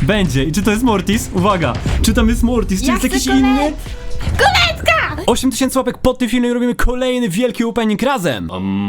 będzie. I czy to jest Mortis? Uwaga, czy tam jest Mortis, czy jest jakiś inny? Koletka! 8000 łapek pod tym filmem i robimy kolejny wielki opening razem.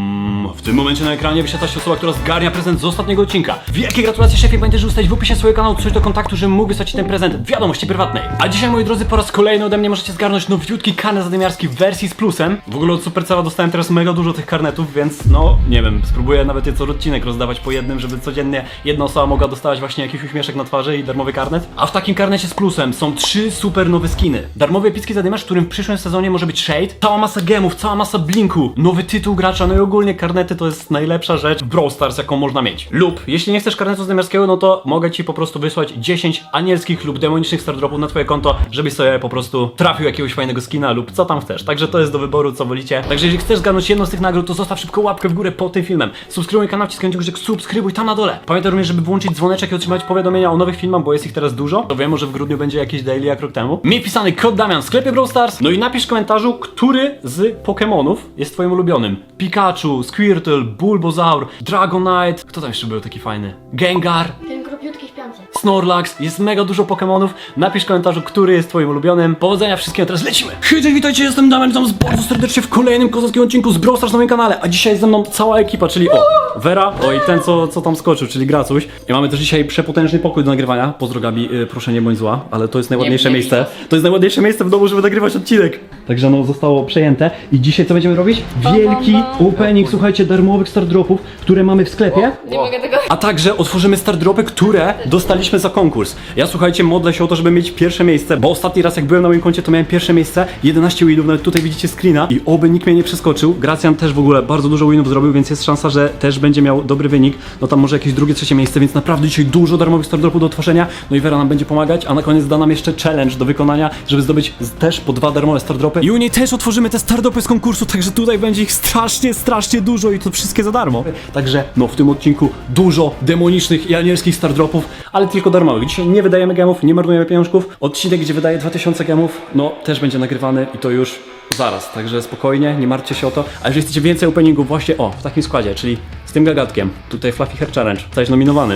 W tym momencie na ekranie wyświetla się osoba, która zgarnia prezent z ostatniego odcinka. Wielkie gratulacje, szefie, pamiętaj, ustawić w opisie swojego kanału coś do kontaktu, żebym mógł wysłać ci ten prezent w wiadomości prywatnej. A dzisiaj, moi drodzy, po raz kolejny ode mnie możecie zgarnąć nowiutki karnet zadymiarski w wersji z plusem. W ogóle od Supercella dostałem teraz mega dużo tych karnetów, więc no, nie wiem, spróbuję nawet je co odcinek rozdawać po jednym, żeby codziennie jedna osoba mogła dostawać właśnie jakiś uśmieszek na twarzy i darmowy karnet. A w takim karnecie z plusem są 3 super nowe skiny. Darmowy epicki zadymiarz, w którym w przyszłym sezonie może być Shade, cała masa gemów, cała masa blinku, nowy tytuł gracza, no i ogólnie karnety to jest najlepsza rzecz w Brawl Stars, jaką można mieć. Lub, jeśli nie chcesz karnetu zadymiarskiego, no to mogę ci po prostu wysłać 10 anielskich lub demonicznych stardropów na twoje konto, żebyś sobie po prostu trafił jakiegoś fajnego skina lub co tam chcesz. Także to jest do wyboru, co wolicie. Także jeżeli chcesz zgarnąć jedną z tych nagród, to zostaw szybko łapkę w górę pod tym filmem. Subskrybuj kanał, wciskając guzik subskrybuj tam na dole. Pamiętaj również, żeby włączyć dzwoneczek i otrzymać powiadomienia o nowych filmach, bo jest ich teraz dużo. To wiem, może w grudniu będzie jakieś daily jak rok temu. Miej pisany kod Damian w sklepie Brawl Stars. No i napisz w komentarzu, który z Pokemonów jest twoim ulubionym. Pikachu, Squirtle, Bulbasaur, Dragonite. Kto tam jeszcze był taki fajny? Gengar. Ten grubiutki śpiący. Snorlax, jest mega dużo Pokemonów. Napisz w komentarzu, który jest twoim ulubionym. Powodzenia wszystkim, a teraz lecimy! Hej, cześć, witajcie, jestem Damian, witam was bardzo serdecznie w kolejnym kozackim odcinku z Brawl Stars na moim kanale. A dzisiaj jest ze mną cała ekipa, czyli Vera, i ten co tam skoczył, czyli Gracuś. I mamy też dzisiaj przepotężny pokój do nagrywania. Pozdro Gabi, proszę nie bądź zła, ale to jest najładniejsze miejsce. To jest najładniejsze miejsce w domu, żeby nagrywać odcinek. Także no, zostało przejęte. I dzisiaj co będziemy robić? Wielki opening, słuchajcie, darmowych stardropów, które mamy w sklepie. Nie mogę tego... A także otworzymy stardropy, które dostaliśmy za konkurs. Ja, słuchajcie, modlę się o to, żeby mieć pierwsze miejsce, bo ostatni raz jak byłem na moim koncie, to miałem pierwsze miejsce, 11 winów, nawet tutaj widzicie screena i oby nikt mnie nie przeskoczył. Gracjan też w ogóle bardzo dużo winów zrobił, więc jest szansa, że też będzie miał dobry wynik. No tam może jakieś drugie, trzecie miejsce, więc naprawdę dzisiaj dużo darmowych stardropów do otworzenia. No i Vera nam będzie pomagać, a na koniec da nam jeszcze challenge do wykonania, żeby zdobyć też po 2 darmowe stardropy. I u niej też otworzymy te stardropy z konkursu, także tutaj będzie ich strasznie dużo i to wszystkie za darmo. Także no w tym odcinku dużo demonicznych i anielskich stardropów, ale tylko darmowych. Dzisiaj nie wydajemy gemów, nie marnujemy pieniążków. Odcinek, gdzie wydaje 2000 gemów, no też będzie nagrywany i to już zaraz. Także spokojnie, nie martwcie się o to. A jeżeli chcecie więcej openingów właśnie w takim składzie, czyli z tym gagatkiem, tutaj Fluffy Hair Challenge, zostałeś nominowany.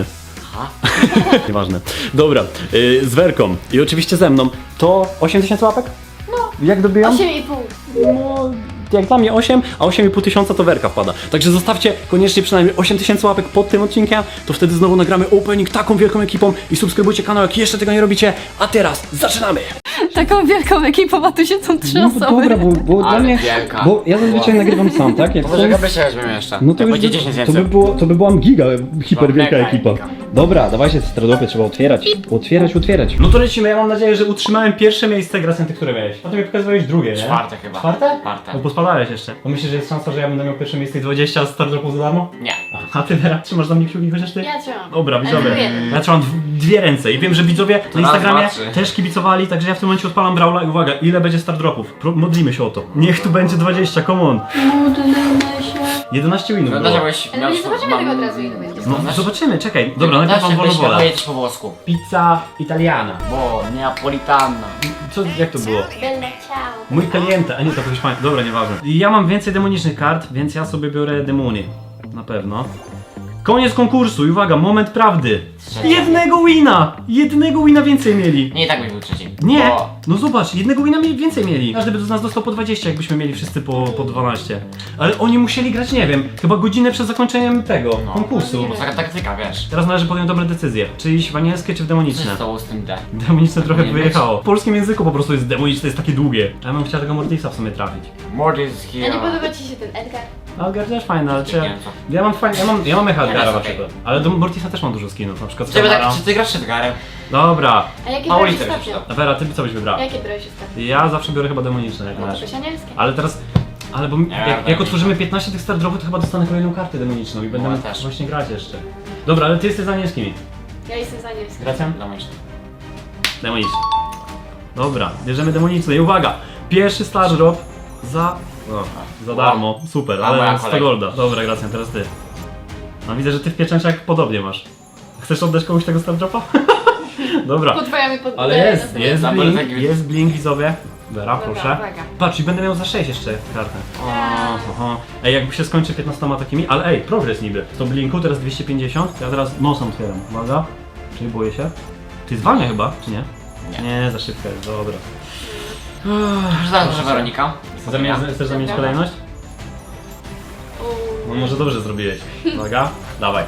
Nieważne. Dobra, z Werką i oczywiście ze mną, to 8000 łapek? No. Jak dobijam? 8,5. No, jak dla mnie 8, a 8,5 tysiąca to Werka wpada. Także zostawcie koniecznie przynajmniej 8000 łapek pod tym odcinkiem, to wtedy znowu nagramy opening taką wielką ekipą i subskrybujcie kanał, jak jeszcze tego nie robicie. A teraz zaczynamy! Taką wielką ekipą, a tu siedzą 3 osoby. Dobra, bo dla mnie, wielka. bo ja zazwyczaj nagrywam sam, tak? Jak To może gabrysia weźmiemy jeszcze. no to jak już będzie 10 to więcej. by była giga, hiper wielka Mega ekipa. ekipa. Dobra, dawajcie te stradopy, trzeba otwierać. No to lecimy, ja mam nadzieję, że utrzymałem pierwsze miejsce, Gracjan, ty które miałeś. A ty mi pokazywałeś drugie, nie? Czwarte chyba. Czwarte? Czwarte. No pospadałeś jeszcze. Bo myślisz, że jest szansa, że ja będę miał pierwsze miejsce i 20 stardropów za darmo? Nie. A ty Vera, trzymasz za mnie kciuki chociaż ty? Ja trzymam. Dobra, widzowie. Ale jeden. Ja trzymam dwie ręce i wiem, że widzowie na Instagramie raz, dwa, trzy. też kibicowali, także ja w tym momencie odpalam Brawla i uwaga, ile będzie stardropów? Modlimy się o to. Niech tu będzie 20, come on. Modlimy się. 11 winów No było. dlaczego byś Ale nie zobaczymy tego od razu, ile będzie. No zobaczymy, czekaj. Dobra, najpierw mam wolną wolę. powiedzieć po włosku. Pizza italiana. Bo neapolitana. Co, jak to było? Bella ciao. Mój kliente, a nie to po hiszpańsku. Dobra, nieważne. I ja mam więcej demonicznych kart, więc ja sobie biorę demony. Na pewno. Koniec konkursu i uwaga, moment prawdy. Jednego wina więcej mieli. Nie, i tak byś był trzeci. Nie, Bo... no zobacz, jednego wina więcej mieli. Każdy by z nas dostał po 20, jakbyśmy mieli wszyscy po 12. Ale oni musieli grać, nie wiem, chyba godzinę przed zakończeniem tego konkursu. To taka taktyka, wiesz. Teraz należy podjąć dobre decyzje. Czy iść w anielskie, czy w Co demoniczne? się stało z tym D? Demoniczne trochę Nie wyjechało. W polskim języku po prostu jest demoniczne, jest takie długie. Ja bym chciał tego Mortisa w sumie trafić. Mortis A nie here. podoba ci się ten Edgar? Algar też fajny, ale czy Nie wiem co. ja mam Echa Algara jest waszego. okej. Ale do Mortisa też mam dużo skinów, na przykład z Ciebie Kamara. tak, czy ty grasz Edgarem? Dobra. A jakie Mało brałeś liter ostatnio? przeczytał. A Vera, ty co byś wybrała? Jakie brałeś ostatnio? Ja zawsze biorę chyba demoniczne, jak No to masz. też anielskie. Ale teraz... Ale bo jak otworzymy 15 tych stardropów, to chyba dostanę kolejną kartę demoniczną i będę No, mógł też. właśnie grać jeszcze. Dobra, ale ty jesteś z anielskimi. Ja jestem za anielskim. Gracjan? Domyśl. Demoniczne. Dobra, bierzemy demoniczne i uwaga! Pierwszy stardrop za darmo, super, A moja ale 100 kolej. golda. Dobra, Gracjan, teraz ty. No widzę, że ty w pieczęciach podobnie masz. Chcesz oddać komuś tego stardropa? Dobra. Podwajamy pod... Ale jest Dobra, blink, tak jest blink widzowie. Vera, Dobra, proszę. uwaga. Patrz, i będę miał za 6 jeszcze kartę. Aha. Ej, jakby się skończy 15 takimi, ale ej, progres niby. To blinku, teraz 250, ja teraz nosem otwieram, uwaga. Czyli boję się. Ty zwalnia chyba, czy nie? Nie. Nie, za szybko jest, dobra. Dobrze, Weronika. Chcesz zamienić kolejność? No może dobrze zrobiłeś. Uwaga, dawaj.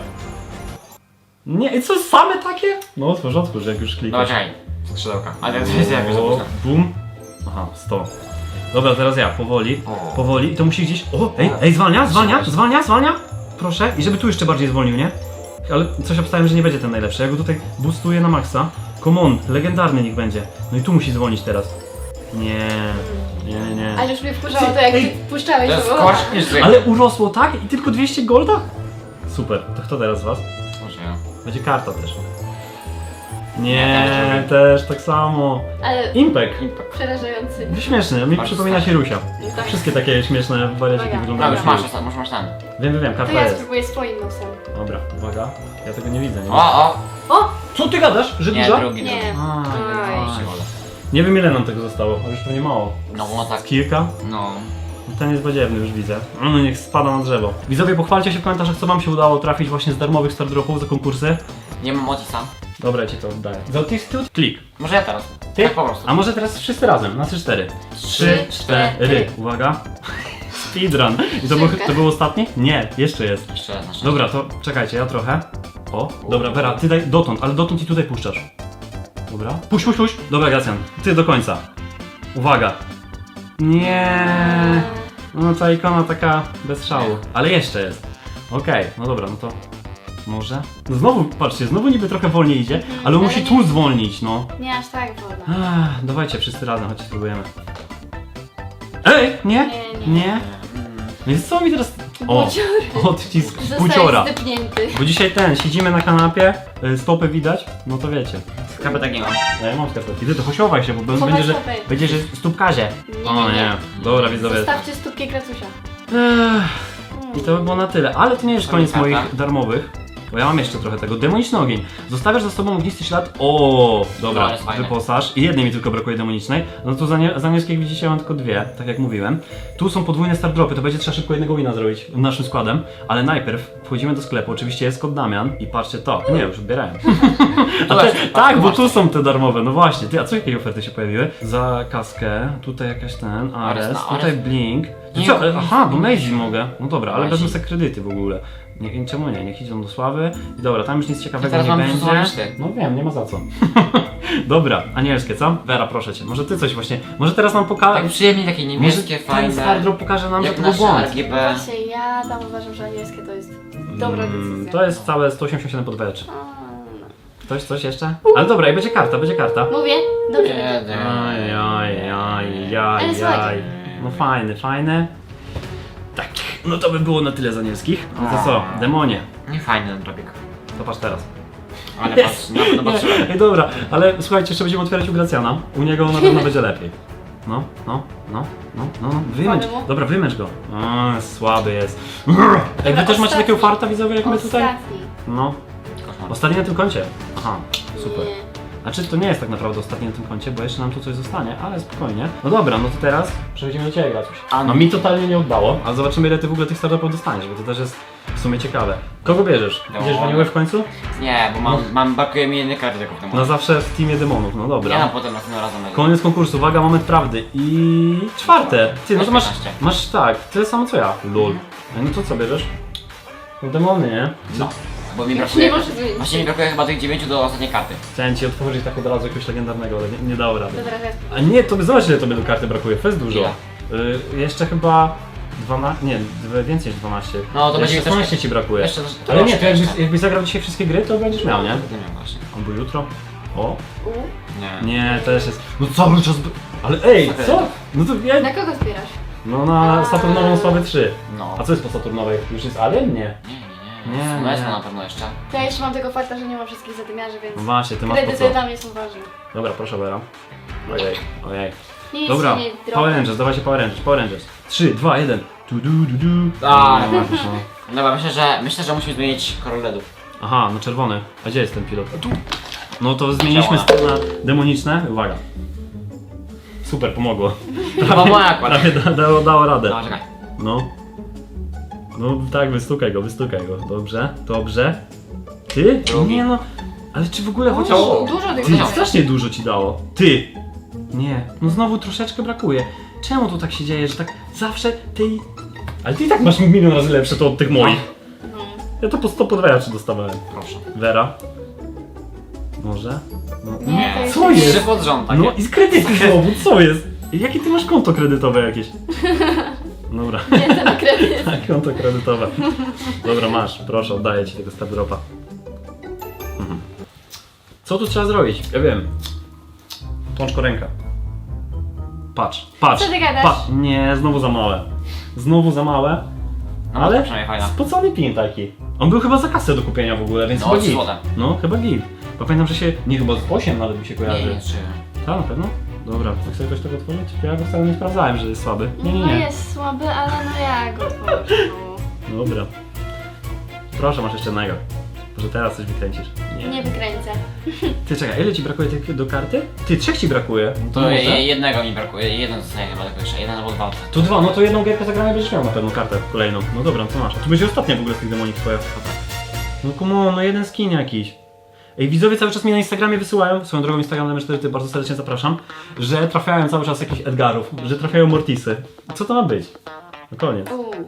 Nie, i co, same takie? No otwórz, jak już Dobra, klikasz. czekaj. Skrzydełka. Ale to jest jakoś za O, późno. bum. Aha, 100. Dobra, teraz ja, powoli, O. powoli. I to musi gdzieś... O, ej, zwalnia. Proszę. I żeby tu jeszcze bardziej zwolnił, nie? Ale coś obstałem, że nie będzie ten najlepszy. Ja go tutaj boostuję na maksa. Come on, legendarny niech będzie. No i tu musi zwolnić teraz. Nie. Ale już mnie wkurzało to, jak ty puszczałeś To jest to. kość niż zwykle. Ale urosło, tak? I tylko 200 golda? Super, to kto teraz z was? Może ja. Będzie karta też. Ja Nie, też tak samo. Ale Impek. przerażający. Śmieszny, mi Bardzo przypomina się Rusia. Tak. Wszystkie takie śmieszne wariaciki Uwaga. No wyglądają. już jak masz, Ruś. masz ten. Wiem, To karta ja jest. spróbuję swoim nosem. Dobra, uwaga. Ja tego nie widzę, nie? O! O! Co ty gadasz? Że Nie, duża? drugi. Nie. A, Aj. nie wiem ile nam tego zostało, a już pewnie mało. No tak. Z kilka? No. Ten jest badziewny, już widzę. No niech spada na drzewo. Widzowie, pochwalcie się w komentarzach, co wam się udało trafić właśnie z darmowych Star Dropów za konkursy. Nie mam Otisa. Dobra, ja ci to oddaję. Za klik. Może ja teraz. Ty? Tak po prostu. A może teraz wszyscy razem, na 3-4. 3-4. Uwaga. Speedrun. I to był ostatni? Nie, jeszcze jest. Jeszcze raz na szczęście. Dobra, to czekajcie, ja trochę. O, dobra, Vera, ty daj dotąd, ale dotąd i tutaj puszczasz. Dobra. Puść. Dobra, Gracjan, ty do końca. Uwaga. Nie. No ta ikona taka bez szału. Ale jeszcze jest. Okej, no dobra, no to może. No znowu, patrzcie, znowu niby trochę wolniej idzie, ale ale musi nie- tu zwolnić, no. Nie aż tak wolno. Dawajcie wszyscy razem, chodźcie spróbujemy. Ej, nie? Nie. Więc co mi teraz... O, odcisk Zostałeś buciora. zdepnięty. Bo dzisiaj siedzimy na kanapie, stopy widać, no to wiecie. Skarpetek nie mam. Ja mam skarpetki, ty to posiowaj się, bo Chowaj będzie, stopy. że stópkarze. Nie, O nie, nie, nie. dobra widzowie. Zostawcie stópkę Kracusia. I to by było na tyle, ale to nie jest koniec Karta. moich darmowych. Bo ja mam jeszcze trochę tego. Demoniczny ogień. Zostawiasz za sobą ognisty ślad. O, dobra, No, jest fajne. wyposaż. I jednej mi tylko brakuje demonicznej. No tu za niebieskiej jak widzicie mam tylko dwie, tak jak mówiłem. Tu są podwójne start dropy, to będzie trzeba szybko jednego wina zrobić naszym składem. Ale najpierw wchodzimy do sklepu, oczywiście jest kod Damian i patrzcie to. Nie, już odbierałem. Tak, bo tu są te darmowe, no właśnie. Ty, a co jakie oferty się pojawiły? Za kaskę, tutaj jakaś ten, Ares, Ares. tutaj Blink. Nie, Co? nie, Aha, bo Mazy mogę. No dobra, ale Mazy. wezmę sobie kredyty w ogóle. Czemu nie? Niech idą do Sławy. I dobra, tam już nic ciekawego teraz nie mam będzie. przesuwać ty. No wiem, nie ma za co. Dobra, anielskie, co? Vera, proszę cię, może ty coś właśnie, może teraz nam pokaże. Tak przyjemnie, takie niebieskie, Może ten fajne. Stardrop pokaże nam, że Jak to był nasze błąd. RGB. Właśnie, ja tam uważam, że anielskie to jest dobra decyzja. To jest całe 187 podwecz. A, no. Coś jeszcze? Ale dobra, i będzie karta. Mówię? Dobrze Nie, będzie. nie. Ale słuchajcie. No fajne. Tak, no to by było na tyle z anielskich. No to co, demonie, Nie fajny ten drobik. to patrz teraz. Ale patrz, no patrzyłem. Ej, dobra, ale słuchajcie, jeszcze będziemy otwierać u Gracjana. U niego na pewno będzie lepiej. No, wymęcz. Słaby mu? Dobra, wymęcz go. Słaby jest. Ej, wy też macie takiego farta, widzowie, jak my tutaj? Ostatni. No, Koszmar. ostatni na tym koncie. Aha, super. Nie. Znaczy to nie jest tak naprawdę ostatni na tym koncie, bo jeszcze nam tu coś zostanie, ale spokojnie. No dobra, no to teraz przechodzimy do Ciebie, Gracuś. No mi totalnie nie oddało, ale zobaczymy ile Ty w ogóle tych startupów dostaniesz, bo to też jest w sumie ciekawe. Kogo bierzesz? No. Bierzesz Waniłę w końcu? Nie, bo brakuje mi jednej karty tylko w tym Na zawsze w teamie demonów, no Nie, dobra. no potem następnym razem będzie. Koniec konkursu, uwaga, moment prawdy i czwarte. Ty, no to masz 15. masz tak, tyle samo co ja. Lol. No to co bierzesz? No demony, nie? No, bo mi Nie brakuje... może zmienić. Właśnie mi brakuje chyba tych 9 do ostatniej karty. Chciałem Ci otworzyć tak od razu jakiegoś legendarnego, ale nie dało rady. To teraz ja. A nie, to zobacz ile tobie do karty brakuje, fest dużo. Ile? Jeszcze chyba 12, nie, więcej niż 12. No, to będzie 16 troszkę- ci brakuje. Jeszcze Ale nie, to troszkę jakbyś zagrał dzisiaj wszystkie gry, to będziesz miał, nie? Nie wiem właśnie. Albo jutro. O, U. Nie. nie, też jest. No cały czas. Ale ej, co? No to ja. Na kogo zbierasz? No na Saturnową Sławę 3. No. A co jest po Saturnowej? Już jest Alien? Nie. Nie, No jest nie. to na pewno jeszcze. To ja jeszcze mam tego fakta, że nie mam wszystkich zadymiarzy, więc No właśnie, ty masz po kredyty co? dla mnie są ważne. Dobra, proszę Vera. Ojej. Nic Dobra, nie Power Rangers, dawajcie Power Rangers. 3, 2, 1. Tu du du du. A, No, no. Dobra, myślę, że musimy zmienić kolor LEDów. Aha, no czerwony. A gdzie jest ten pilot? Tu. No to zmieniliśmy Działa. styl na demoniczne. Uwaga. Super, pomogło. Chyba moja akurat. Prawie dało radę. No, czekaj. No. No tak, wystukaj go. Dobrze. Ty? Drugi. Nie no. Ale czy w ogóle chociaż... Dużo tych Ty, rzeczy. strasznie dużo ci dało. Ty! Nie, no znowu troszeczkę brakuje. Czemu to tak się dzieje, że tak zawsze tej... Ale ty i tak masz milion razy lepsze to od tych moich. No. Ja to po 100 podwajaczy dostawałem. Proszę. Vera? Może? No. Nie, to jest... Co jest? 3 pod rząd takie. No i z kredytu znowu, co jest? Jakie ty masz konto kredytowe jakieś? Dobra, Nie, ten kredyt. tak, konto kredytowe. Dobra, masz, proszę, oddaję ci tego Stardropa. Mhm. Co tu trzeba zrobić? Ja wiem. Pączko ręka. Patrz, patrz. Co ty gadasz? Patrz. Nie, znowu za małe. Znowu za małe. No, Ale przynajmniej fajna. spocony pin taki. On był chyba za kasę do kupienia w ogóle, więc No, chyba 3 git. złote. No, chyba git. Bo pamiętam, że się, nie chyba z 8 nawet mi się kojarzy. Nie, 3. Tak, na pewno? Dobra, jak sobie jakoś tego otworzyć? Ja go wcale nie sprawdzałem, że jest słaby. Nie, nie, No nie. jest słaby, ale no jak go otworzę, no. Dobra. Proszę, masz jeszcze jednego. Może teraz coś wykręcisz. Nie wykręcę. Ty czekaj, ile ci brakuje tych do karty? Ty, 3 ci brakuje. To może? jednego mi brakuje, jeden zostaje chyba tylko jeszcze, jeden albo 2. To 2, no to jedną gierkę zagramy, będziesz miał na pewno kartę kolejną. No dobra, to masz. A tu będzie ostatnia w ogóle z tych demonik twoja. No come on, no jeden skin jakiś. Ej, widzowie cały czas mi na Instagramie wysyłają, swoją drogą Instagram M4, bardzo serdecznie zapraszam, że trafiają cały czas jakichś Edgarów, że trafiają Mortisy. Co to ma być? No koniec.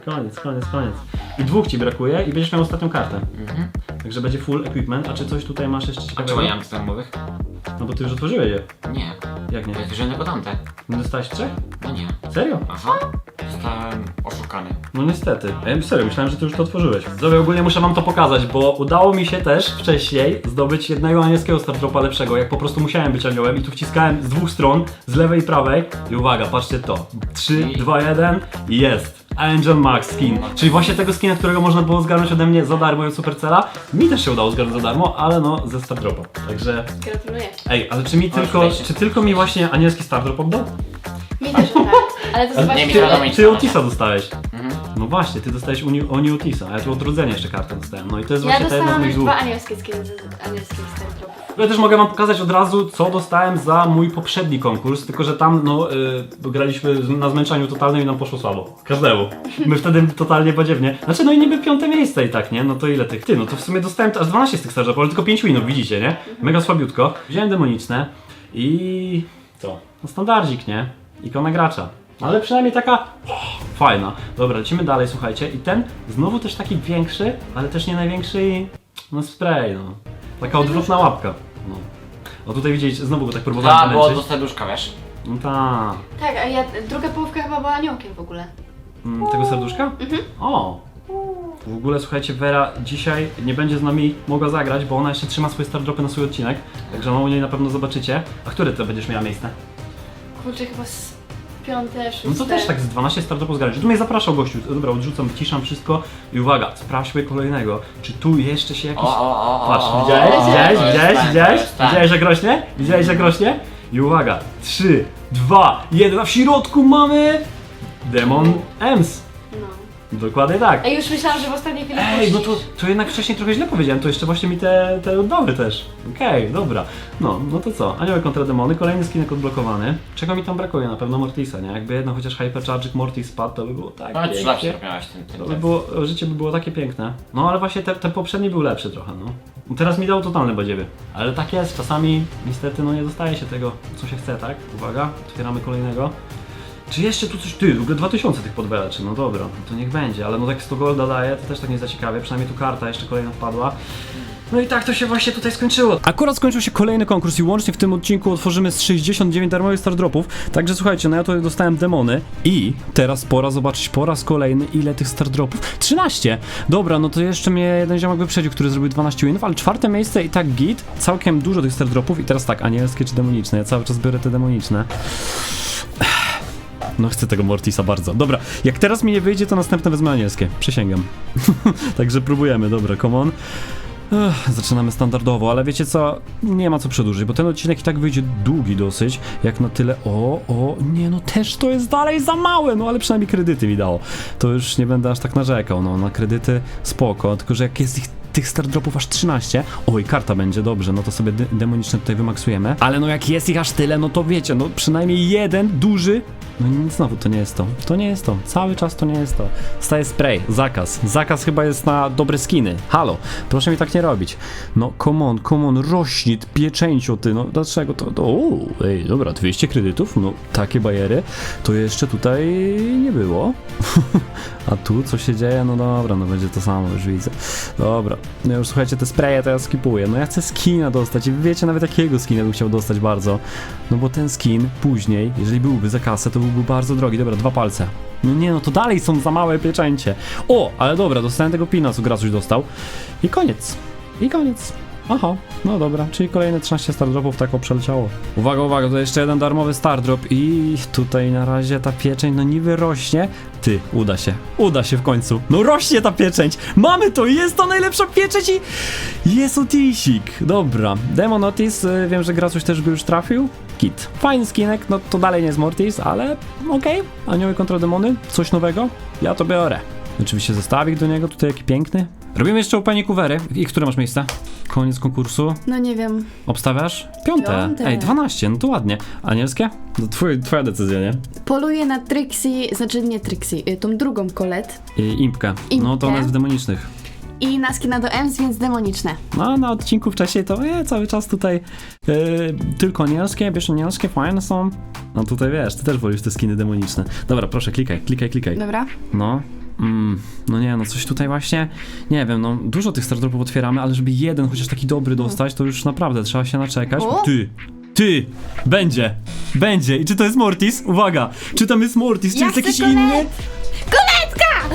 Koniec. I 2 ci brakuje i będziesz miał ostatnią kartę. Mhm. Także będzie full equipment. A czy coś tutaj masz jeszcze A ciekawego? czego nie mam tych darmowych? No bo ty już otworzyłeś je. Nie. Jak nie? To jest tylko tamte. Nie dostałeś 3? No nie. Serio? Aha. Zostałem oszukany. No niestety. Ja serio, myślałem, że ty już to otworzyłeś. Widzowie, ogólnie muszę wam to pokazać, bo udało mi się też wcześniej zdobyć jednego anielskiego Stardropa lepszego, jak po prostu musiałem być aniołem i tu wciskałem z 2 stron, z lewej i prawej. I uwaga, patrzcie to. 3, 2, 1 i jest. Angel Max skin. Czyli właśnie tego skina, którego można było zgarnąć ode mnie za darmo od Supercella. Mi też się udało zgarnąć za darmo, ale no ze Stardropa. Także... Gratuluję. Ej, ale czy mi tylko... Czy tylko mi właśnie anielski Stardrop oddał? Mi też tak. Ale to jest nie właśnie... mi wiadomo. Ty Otisa dostałeś. Mhm. No właśnie, ty dostałeś Oni Otisa, a ja tu odrodzenie jeszcze kartę dostałem. No i to jest Ja właśnie to jedno z dostałam moich już złów. 2 anielskie skiny z anielskich Stardropów. Ja też mogę wam pokazać od razu, co dostałem za mój poprzedni konkurs, tylko że tam no graliśmy na zmęczeniu totalnym i nam poszło słabo. Każdemu. My wtedy totalnie badziewnie. Znaczy no i niby 5 miejsce i tak, nie? No to ile tych? Ty, no to w sumie dostałem aż 12 z tych Stardropów, ale tylko 5 winów, widzicie, nie? Mega słabiutko. Wziąłem demoniczne i... co? No standardzik, nie? Ikona gracza. Ale przynajmniej taka fajna. Dobra, lecimy dalej, słuchajcie. I ten znowu też taki większy, ale też nie największy i... no spray, no. Taka odwrotna łapka. No. O tutaj widzieliście, znowu go tak próbowałem Tak, było zamęczyć. do serduszka, wiesz? No ta. Tak, a ja... druga połówka chyba była aniołkiem w ogóle. Tego serduszka? O! W ogóle słuchajcie, Vera dzisiaj nie będzie z nami mogła zagrać, bo ona jeszcze trzyma swoje Stardropy na swój odcinek. Także no u niej na pewno zobaczycie. A które to będziesz miała miejsce? Kurczę, chyba z 5., 6. No to też tak z 12 Stardropów zgarniesz. Tu mnie zapraszał gościu. Dobra, odrzucam, wciszam wszystko. I uwaga, sprawdźmy kolejnego. Czy tu jeszcze się jakiś... Patrz, widziałeś jak rośnie? Widziałeś jak rośnie? I uwaga, 3, 2, 1, a w środku mamy... Demon Ems. No. Dokładnie tak. A już myślałam, że w ostatniej chwili Ej, no puścisz. to jednak wcześniej trochę źle powiedziałem, to jeszcze właśnie mi te oddały też. Okej, dobra. No to co? Anioły kontra demony, kolejny skinek odblokowany. Czego mi tam brakuje? Na pewno Mortisa, nie? Jakby jedno chociaż Hyperchargic Mortis spadł, to by było tak No 3 lat się pięknie. miałeś tym. To by było, życie by było takie piękne. No ale właśnie ten poprzedni był lepszy trochę, no. Teraz mi dał totalne badziewy. Ale tak jest, czasami niestety no nie dostaje się tego, co się chce, tak? Uwaga, otwieramy kolejnego. Czy jeszcze tu coś... Ty, w ogóle 2000 tych podbelaczy, no dobra, no to niech będzie, ale no tak 100 golda daje, to też tak nie za ciekawie, przynajmniej tu karta jeszcze kolejna wpadła. No i tak to się właśnie tutaj skończyło. Akurat skończył się kolejny konkurs i łącznie w tym odcinku otworzymy z 69 darmowych Stardropów. Także słuchajcie, no ja tutaj dostałem demony i teraz pora zobaczyć po raz kolejny ile tych Stardropów. 13! Dobra, no to jeszcze mnie jeden ziomek wyprzedził, który zrobił 12 winów, ale 4 miejsce i tak git. Całkiem dużo tych Stardropów i teraz tak, anielskie czy demoniczne? Ja cały czas biorę te demoniczne. No chcę tego Mortisa bardzo. Dobra, jak teraz mi nie wyjdzie, to następne wezmę anielskie. Przysięgam. Także próbujemy, dobra, come on. Zaczynamy standardowo, ale wiecie co? Nie ma co przedłużyć, bo ten odcinek i tak wyjdzie długi dosyć, jak na tyle... nie no też to jest dalej za małe, no ale przynajmniej kredyty mi dało. To już nie będę aż tak narzekał, no na kredyty spoko, tylko że jak jest tych Stardropów aż 13, oj karta będzie, dobrze, no to sobie demoniczne tutaj wymaksujemy, ale no jak jest ich aż tyle, no to wiecie, no przynajmniej jeden duży No nic, znowu to nie jest to. To nie jest to. Cały czas to nie jest to. Staje spray. Zakaz. Zakaz chyba jest na dobre skiny. Halo. Proszę mi tak nie robić. No, come on. Rośnie pieczęcio, ty. No, dlaczego to? Ej, dobra, 200 kredytów? No, takie bajery to jeszcze tutaj nie było. A tu co się dzieje? No dobra, no będzie to samo, już widzę. Dobra. No już słuchajcie, te spraye to ja skipuję. No ja chcę skina dostać i wiecie nawet jakiego skina bym chciał dostać bardzo. No bo ten skin później, jeżeli byłby za kasę, to byłby bardzo drogi. Dobra, 2 palce. No nie, no to dalej są za małe pieczęcie. O, ale dobra, dostałem tego pina, co Gracuś dostał. I koniec. Aha, no dobra, czyli kolejne 13 stardropów tak przeleciało. Uwaga, to jeszcze jeden darmowy stardrop i tutaj na razie ta pieczęć no niby rośnie. Ty, uda się w końcu. No rośnie ta pieczęć, mamy to, jest to najlepsza pieczęć i jest Otisik. Dobra, Demon Otis, wiem, że Gracuś też go już trafił. Kit. Fajny skinek, no to dalej nie jest Mortis, ale okej. Anioły kontra demony, coś nowego, ja to biorę. Oczywiście zestawik do niego, tutaj jaki piękny. Robimy jeszcze opening covery. I które masz miejsce? Koniec konkursu. No nie wiem. Obstawiasz? 5. Ej, 12, no to ładnie. Anielskie? To twoja decyzja, nie? Poluję na Trixie, znaczy nie Trixie, tą drugą Colette. I Impkę. No to ona jest w demonicznych. I na skina do Ems, więc demoniczne. No, na odcinku wcześniej to cały czas tutaj tylko anielskie, bierz anielskie, fajne są. No tutaj wiesz, ty też wolisz te skiny demoniczne. Dobra, proszę, klikaj. Dobra. No. No nie, no coś tutaj właśnie, nie wiem, no dużo tych stardropów otwieramy, ale żeby jeden chociaż taki dobry dostać, to już naprawdę trzeba się naczekać. O! Ty, będzie. I czy to jest Mortis? Uwaga, czy tam jest Mortis, czy Ja jest chcę jakiś Colette! inny? Koletka!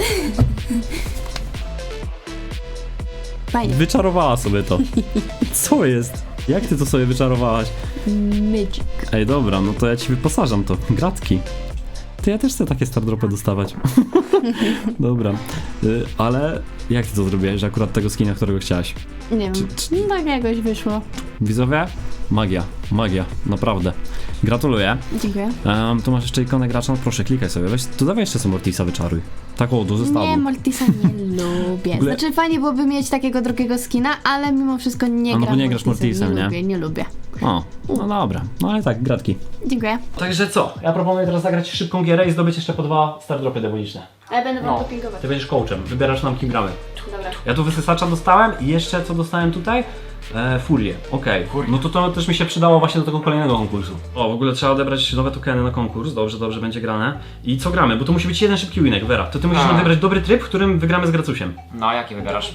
Fajnie. Wyczarowała sobie to. Co jest? Jak ty to sobie wyczarowałaś? Magic. Ej, dobra, no to ja ci wyposażam to. Gratki. Ty, ja też chcę takie stardropy dostawać. Dobra. Ale jak ty to zrobiłeś, że akurat tego skina, którego chciałaś? Nie wiem, no tak jakoś wyszło. Widzowie? Magia, naprawdę. Gratuluję. Dziękuję. Tu masz jeszcze ikonę gracza, no proszę, klikaj sobie, weź, to dawaj jeszcze sobie Mortisa wyczaruj. Tak o, do zestawu. Nie, Mortisa nie lubię. ogóle- Znaczy fajnie byłoby mieć takiego drugiego skina, ale mimo wszystko nie A no gram bo nie grasz Mortisem, nie? Nie lubię. O, no dobra, no ale tak, gratki. Dziękuję. Także co? Ja proponuję teraz zagrać szybką gierę i zdobyć jeszcze po 2 stardropy demoniczne. A ja będę No. dopingować. Ty będziesz coachem, wybierasz nam kim gramy. Dobra. Ja tu wysysacza dostałem i jeszcze co dostałem tutaj? Furię, okej. Furię. No to też mi się przydało właśnie do tego kolejnego konkursu. O, w ogóle trzeba odebrać nowe tokeny na konkurs, dobrze będzie grane. I co gramy? Bo to musi być jeden szybki winek, Vera. To ty musisz nam wybrać dobry tryb, w którym wygramy z Gracusiem. No, jaki wybierasz?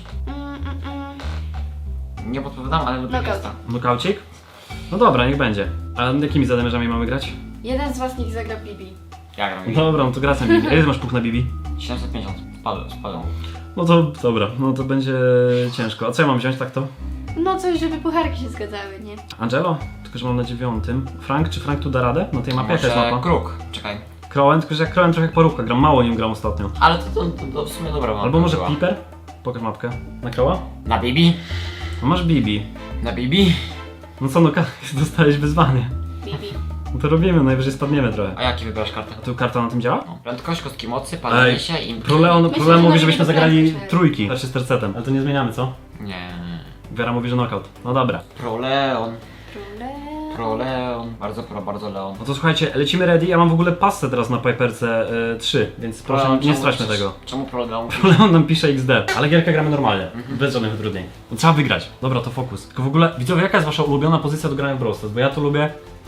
Nie podpowiadam, ale lubię Knockout. gesta. Nokaucik? No dobra, niech będzie. A jakimi zademierzami mamy grać? Jeden z was niech zagra Bibi. Ja gram. Dobra, no to gracem Bibi. Ile masz punkt na Bibi? 750. Spadł. No to dobra, no to będzie ciężko. A co ja mam wziąć tak to? No coś, żeby pucharki się zgadzały, nie? Angelo? Tylko, że mam na 9. Frank? Czy Frank tu da radę? Na tej mapie jaka jest Może mapa? kruk. Czekaj. Crowen, tylko że jak Crowen trochę jak porówka, gram mało nim gram ostatnio. Ale to w sumie dobra mapa Albo może była. Piper? Pokaż mapkę. Na Crowa? Na Bibi? No masz Bibi. Na Bibi? No co, no dostałeś wyzwanie. Bibi. No to robimy, najwyżej spadniemy trochę. A jaki wybierasz kartę? A tu karta na tym działa? No. Prędkość, kostki mocy, palenie się i... Problem że mówi, może żebyśmy nie zagrali wygrać. trójki. Znaczy z tercetem. Ale to nie zmieniamy, co? Nie. Wiara mówi, że knockout. No dobra. Proleon. Króle. Proleon. Bardzo Leon. No to słuchajcie, lecimy ready. Ja mam w ogóle passę teraz na Piperce 3, więc proszę Proleon, nie czemu straćmy piszesz- tego. Czemu Proleon? Leon nam pisze XD, ale gierkę gramy normalnie, bez żadnych utrudnień. No, trzeba wygrać. Dobra, to fokus. Tylko w ogóle, widzowie, jaka jest wasza ulubiona pozycja do grania w Brawl Stars? Bo ja to lubię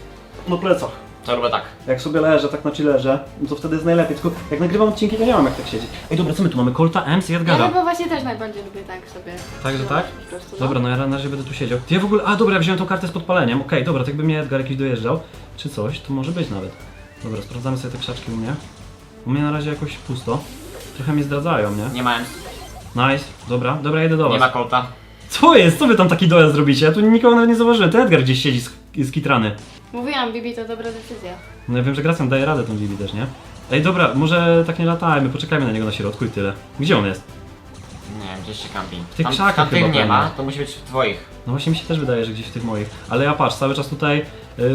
na plecach. To robię tak. Jak sobie leżę, tak na chillerze, no to wtedy jest najlepiej. Tylko jak nagrywam odcinki, to nie mam jak tak siedzieć. Ej, dobra, co my tu mamy? Colta, Ems i Ja Edgara. chyba właśnie też najbardziej lubię tak sobie. Także tak? Po prostu, no. Dobra, no ja na razie będę tu siedział. Ty ja w ogóle, a dobra, ja wziąłem tą kartę z podpaleniem. Okej, dobra, to jakby mnie Edgar jakiś dojeżdżał, czy coś, to może być nawet. Dobra, sprawdzamy sobie te krzaczki u mnie. U mnie na razie jakoś pusto. Trochę mnie zdradzają, nie? Nie ma Ems. Nice, dobra, jedę do was. Nie ma Colta. Co jest? Co wy tam taki dojazd zrobicie? Ja tu nikogo nawet nie zauważyłem. Ten Edgar gdzieś siedzi z kitrany. Mówiłam, Bibi to dobra decyzja. No ja wiem, że Gracjan daje radę tą Bibi też, nie? Ej, dobra, może tak nie latajmy, poczekajmy na niego na środku i tyle. Gdzie on jest? Nie wiem, gdzieś się kampi. W tych krzakach Tam tych chyba nie pewnie. ma, to musi być w twoich. No właśnie mi się też wydaje, że gdzieś w tych moich. Ale ja patrz, cały czas tutaj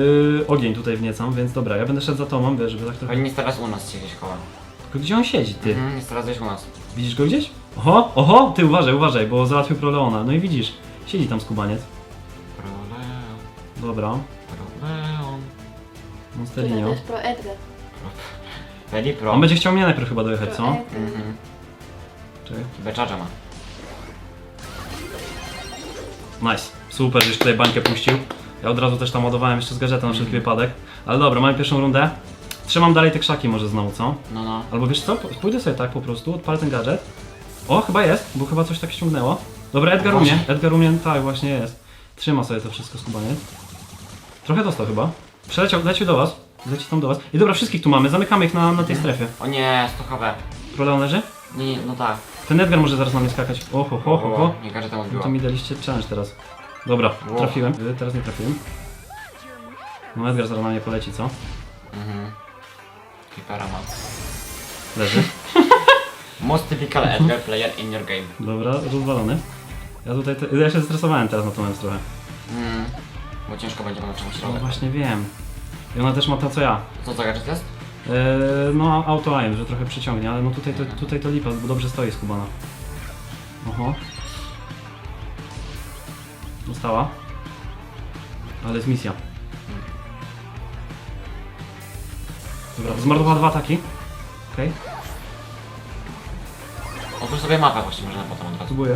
ogień tutaj wniecam, więc dobra, ja będę szedł za Tomą, wiesz, żeby tak trochę... Powinien teraz u nas siedzieć koło. Tylko gdzie on siedzi, ty? Jest teraz gdzieś u nas. Widzisz go gdzieś? Oho, ty uważaj, bo załatwił Proleona. No i widzisz, siedzi tam skubaniec. Proleon. Dobra, Proleon. Tutaj Monsterinio. też pro Edgar. Ready Pro. On będzie chciał mnie najpierw chyba dojechać, co? Mhm. Czekaj. Becharza ma. Nice. Super, żeś tutaj bańkę puścił. Ja od razu też tam ładowałem jeszcze z gadżeta na wszelki wypadek. Ale dobra, mamy pierwszą rundę. Trzymam dalej te krzaki może znowu, co? No, no. Albo wiesz co? Pójdę sobie tak po prostu, odpalę ten gadżet. O, chyba jest, bo chyba coś tak ściągnęło. Dobra, Edgar u mnie. Właśnie. Edgar u mnie, tak właśnie jest. Trzyma sobie to wszystko skubaniec. Trochę dostał chyba. Przeleciał, lecił do was. Leci tam do was. I dobra, wszystkich tu mamy, zamykamy ich na tej strefie. O nie, 100 HP. Proleon leży? Nie, no tak. Ten Edgar może zaraz na mnie skakać. Oho, ho, ho, ho. Nie każdy temu No odbiło. to mi daliście challenge teraz. Dobra, Wow. trafiłem. Teraz nie trafiłem. No Edgar zaraz na mnie poleci, co? Mhm. Creepera ma. Leży. Most typical Edgar player in your game. Dobra, rozwalony. Ja tutaj, ja się zestresowałem teraz na to trochę. Bo ciężko będzie na czym No środek. właśnie wiem. I ona też ma to co ja. Co za gadżet jest? No auto aim, że trochę przyciągnie, ale no tutaj to lipa, bo dobrze stoi skubana. Oho. Dostała. Ale jest misja. Dobra, zmarnowała 2 ataki. Okej, Otwórz sobie mapę właśnie, można potem od razu. próbuję.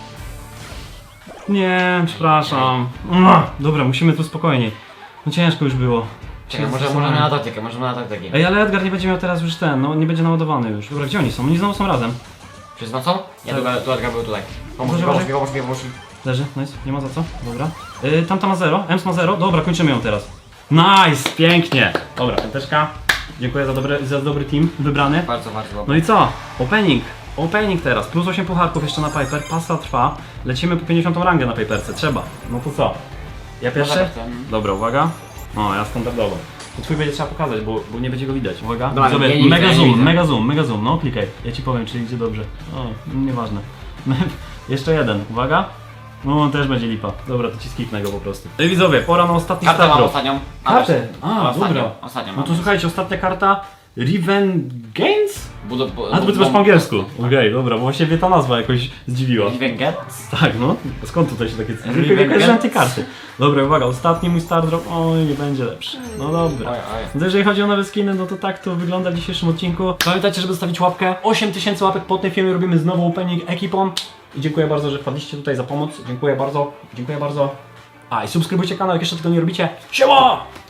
Nie, przepraszam. Dobra, musimy tu spokojniej. No ciężko już było. Czekaj, Się możemy zastanawiam. na taktykę, możemy na taktykę. Ej, ale Edgar nie będzie miał teraz już no nie będzie naładowany już. Dobra, gdzie oni są? Oni znowu są razem. Wszyscy są? Ja Tak. tu Edgar był tutaj. Pomóż mi, Może, pomóż mi, pomóż mi, pomóż mi. Leży, nice, nie ma za co, dobra. Tamta ma 0, Ems ma 0, dobra, kończymy ją teraz. Nice, pięknie. Dobra, piąteczka. Dziękuję za dobry team wybrany. Bardzo, bardzo No dobrze. i co? Opening teraz, plus 8 pucharków jeszcze na Piper, pasa trwa. Lecimy po 50 rangę na Piperce, trzeba. No to co? Ja pierwszy? Dobra, to- Dobra, uwaga. O, ja standardowo. To twój będzie trzeba pokazać, bo nie będzie go widać. Uwaga. Dobra, Sobie, ja nie widzę, ja nie widzę. mega zoom, no klikaj. Ja ci powiem, czy idzie dobrze. O, nieważne. Jeszcze jeden, uwaga. No, on też będzie lipa. Dobra, to ci skipnę go po prostu. No i widzowie, pora na ostatni Kartę mam start. ostatnią. Kartę? A, ostatnią, dobra. Ostatnią No mam. to słuchajcie, ostatnia karta. Rivengains? A, to ty masz po angielsku. Tak. Okej, dobra, bo właściwie ta nazwa jakoś zdziwiła. Rivenget? Tak, no. Skąd tutaj się takie... Rivengains? Jakaś antykarty. Dobra, uwaga, ostatni mój star drop. Oj, nie będzie lepszy. No dobra. Oj, oj. Więc jeżeli chodzi o nowe skiny, no to tak to wygląda w dzisiejszym odcinku. Pamiętajcie, żeby zostawić łapkę. 8000 łapek pod tym filmem robimy znowu opening ekipą. I dziękuję bardzo, że wpadliście tutaj za pomoc. Dziękuję bardzo. A i subskrybujcie kanał, jak jeszcze tego nie robicie. Siema!